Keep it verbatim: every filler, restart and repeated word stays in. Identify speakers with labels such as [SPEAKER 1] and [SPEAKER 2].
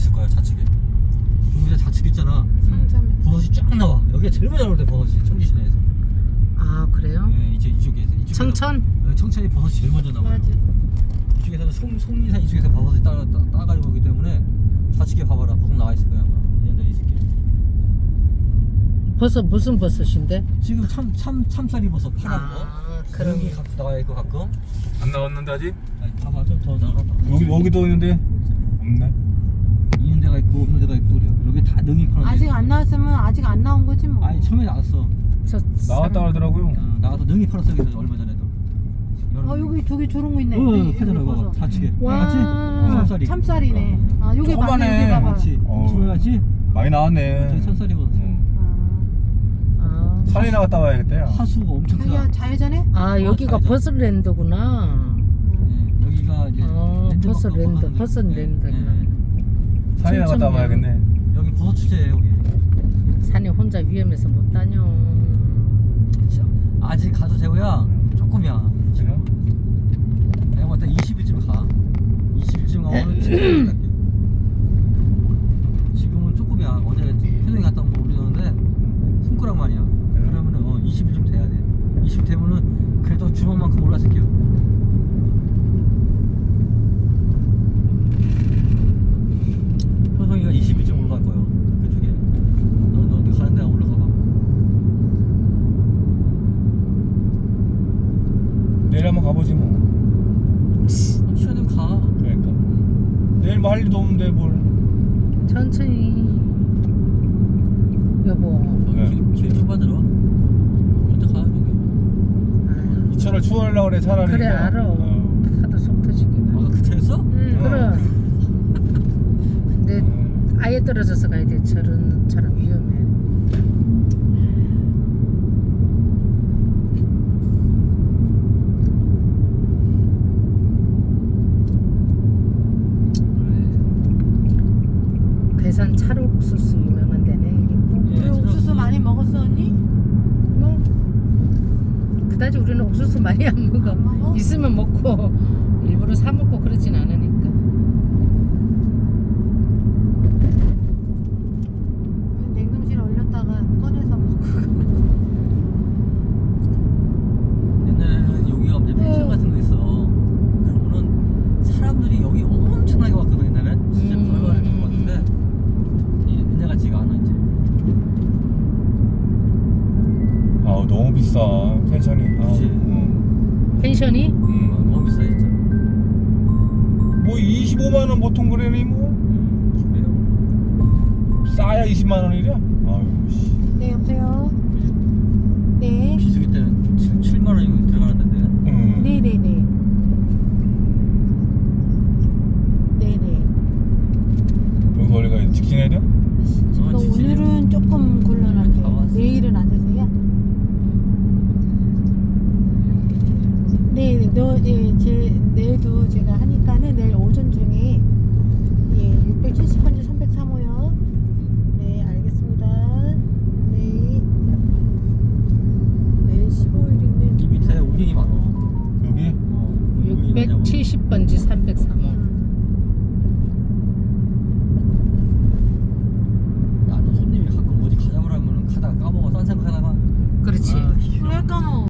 [SPEAKER 1] 있을 거야 좌측에. 여기가 좌측 있잖아.
[SPEAKER 2] 상점에.
[SPEAKER 1] 버섯이 쫙 나와. 여기가 제일 먼저 나올 때 버섯이 청지 시내에서.
[SPEAKER 3] 아 그래요?
[SPEAKER 1] 네, 이쪽 이쪽에서. 이쪽에서
[SPEAKER 3] 청천?
[SPEAKER 1] 네, 청천이 버섯이 제일 먼저 나와요.
[SPEAKER 2] 맞아.
[SPEAKER 1] 이쪽에서는 송 송리산 이쪽에서 버섯이 따 따 따가지고 오기 때문에 좌측에 봐봐라 버섯 나와 있을 거야 아마. 이런 데 있을 게.
[SPEAKER 3] 버섯 무슨 버섯인데?
[SPEAKER 1] 지금 참 참 참쌀이 버섯 파란 거.
[SPEAKER 3] 아 그런
[SPEAKER 1] 여기 가끔 나와 있고 가끔.
[SPEAKER 4] 안 나왔는데 아직?
[SPEAKER 1] 아니 봐봐 좀 더 나가봐.
[SPEAKER 4] 여기 여기도 있는데 없네.
[SPEAKER 1] 있는 데가 있고 없는 데가 있고 그래요. 여기 다 능이 파는 데.
[SPEAKER 2] 아직 안 나왔으면 아직 안 나온 거지 뭐.
[SPEAKER 1] 아니 처음에 나왔어.
[SPEAKER 3] 저
[SPEAKER 4] 나왔다 그러더라고요.
[SPEAKER 1] 어, 나가서 능이 팔았어 여기서 얼마 전에도.
[SPEAKER 2] 아 여기 저기 저런 거 있네.
[SPEAKER 1] 어,
[SPEAKER 2] 여기
[SPEAKER 1] 파잖아
[SPEAKER 2] 버섯.
[SPEAKER 1] 이거 좌측에.
[SPEAKER 3] 와.
[SPEAKER 1] 맞지? 참쌀이.
[SPEAKER 2] 참쌀이네. 아 여기
[SPEAKER 4] 조그마네.
[SPEAKER 2] 맞네. 여기 봐봐.
[SPEAKER 1] 맞지?
[SPEAKER 4] 어.
[SPEAKER 1] 처음에 맞지?
[SPEAKER 4] 많이 나왔네.
[SPEAKER 1] 저기 참쌀이 버섯.
[SPEAKER 4] 응.
[SPEAKER 2] 아,
[SPEAKER 3] 아,
[SPEAKER 4] 산에 나갔다 와야겠다. 야.
[SPEAKER 1] 하수가 엄청 크다.
[SPEAKER 2] 자기가 자회전에?
[SPEAKER 3] 아 여기가
[SPEAKER 1] 어, 잘
[SPEAKER 3] 버섯랜드구나.
[SPEAKER 1] 네, 여기가 이제
[SPEAKER 3] 어,
[SPEAKER 1] 랜드
[SPEAKER 3] 버섯
[SPEAKER 1] 먹고
[SPEAKER 3] 랜드,
[SPEAKER 1] 버섯
[SPEAKER 3] 버섯
[SPEAKER 1] 네,
[SPEAKER 3] 랜드.
[SPEAKER 1] 네, 네.
[SPEAKER 4] 산에 나갔다
[SPEAKER 3] 춘천이야.
[SPEAKER 4] 와야겠네.
[SPEAKER 1] 여기 버섯 축제예요 여기.
[SPEAKER 3] 산에 혼자 위험해서 못 다녀.
[SPEAKER 1] 진짜. 아직 가도 재호야 조금이야 지금. 내가 봤을 때 이십 일쯤 가. 이십 일쯤 가면 지금 갈게. 지금은 조금이야. 어제 회동이 갔다 온 거 올리는데 손가락만이야. 그러면은 어, 이십 일쯤 돼야 돼. 이십 일 되면은 그래도 주먹만큼 올랐을게요. 효성이가 이십 일쯤 올라갈 거예요. 그쪽에. 너, 너 가는 데가 올라가 봐.
[SPEAKER 4] 내일 한번 가보지 뭐.
[SPEAKER 1] 시간은 가.
[SPEAKER 4] 그러니까. 내일 뭐 할 일도 없는데 뭘.
[SPEAKER 3] 천천히. 여보.
[SPEAKER 4] 네.
[SPEAKER 1] 길, 길 좁아들어. 먼저 가, 여기.
[SPEAKER 3] 아,
[SPEAKER 4] 이천을 추월하려고 그래 차라리.
[SPEAKER 3] 그래
[SPEAKER 4] 그냥.
[SPEAKER 3] 알아.
[SPEAKER 4] 어.
[SPEAKER 3] 하도 속 터지기가.
[SPEAKER 1] 아, 그 차였어?
[SPEAKER 3] 응
[SPEAKER 4] 어.
[SPEAKER 3] 그럼. 근데
[SPEAKER 4] 음.
[SPEAKER 3] 아예 떨어져서 가야 돼. 저런 저런 위험해. 괴산 찰옥수수 유명한 데네. 이게 또.
[SPEAKER 1] 예,
[SPEAKER 2] 그 옥수수 많이 먹었어 언니?
[SPEAKER 3] 뭐 그다지 우리는 옥수수 많이 안 먹어.
[SPEAKER 2] 안 먹어?
[SPEAKER 3] 있으면 먹고 일부러 사 먹고 그러진 않으니까.
[SPEAKER 2] 냉동실에 얼렸다가 꺼내서 먹고.
[SPEAKER 1] 옛날에는 여기가 이제 펜션 같은 거 있어. 그러면은 사람들이 여기 엄청나게 왔거든 옛날엔. 진짜
[SPEAKER 3] 음.
[SPEAKER 1] 별거 아닐 것 같은데 이 옛날 같지가 않아 이제.
[SPEAKER 4] 아우 너무 비싸 펜션이. 아우,
[SPEAKER 1] 그치.
[SPEAKER 4] 응.
[SPEAKER 3] 펜션이?
[SPEAKER 1] 어,
[SPEAKER 4] 음.
[SPEAKER 1] 너무 비싸 진짜.
[SPEAKER 4] 뭐 이십오만 원 보통 그래니 뭐.
[SPEAKER 1] 음, 그래요.
[SPEAKER 4] 싸야 이십만 원이랴. 아유 씨.
[SPEAKER 2] 네 여보세요. 네.
[SPEAKER 1] 비수기 때는 칠만 원이 들어가는 데인데.
[SPEAKER 4] 응.
[SPEAKER 2] 네네네. 네네.
[SPEAKER 4] 여기서 원래가 직진해야 돼?
[SPEAKER 2] 그러니까 오늘은 조금
[SPEAKER 1] 다
[SPEAKER 2] 곤란한데
[SPEAKER 1] 왔어.
[SPEAKER 2] 내일은 안 되세요? 네, 너, 예, 제, 내일도 제가 하니까는 내일 오전 중에 예, 육백칠십 번지 삼백삼 호요. 네, 알겠습니다. 네. 내일 십오 일인데
[SPEAKER 1] 이 밑에 우경이 많아.
[SPEAKER 4] 여기?
[SPEAKER 1] 어, 우경이 많냐고.
[SPEAKER 3] 육백칠십 번지 삼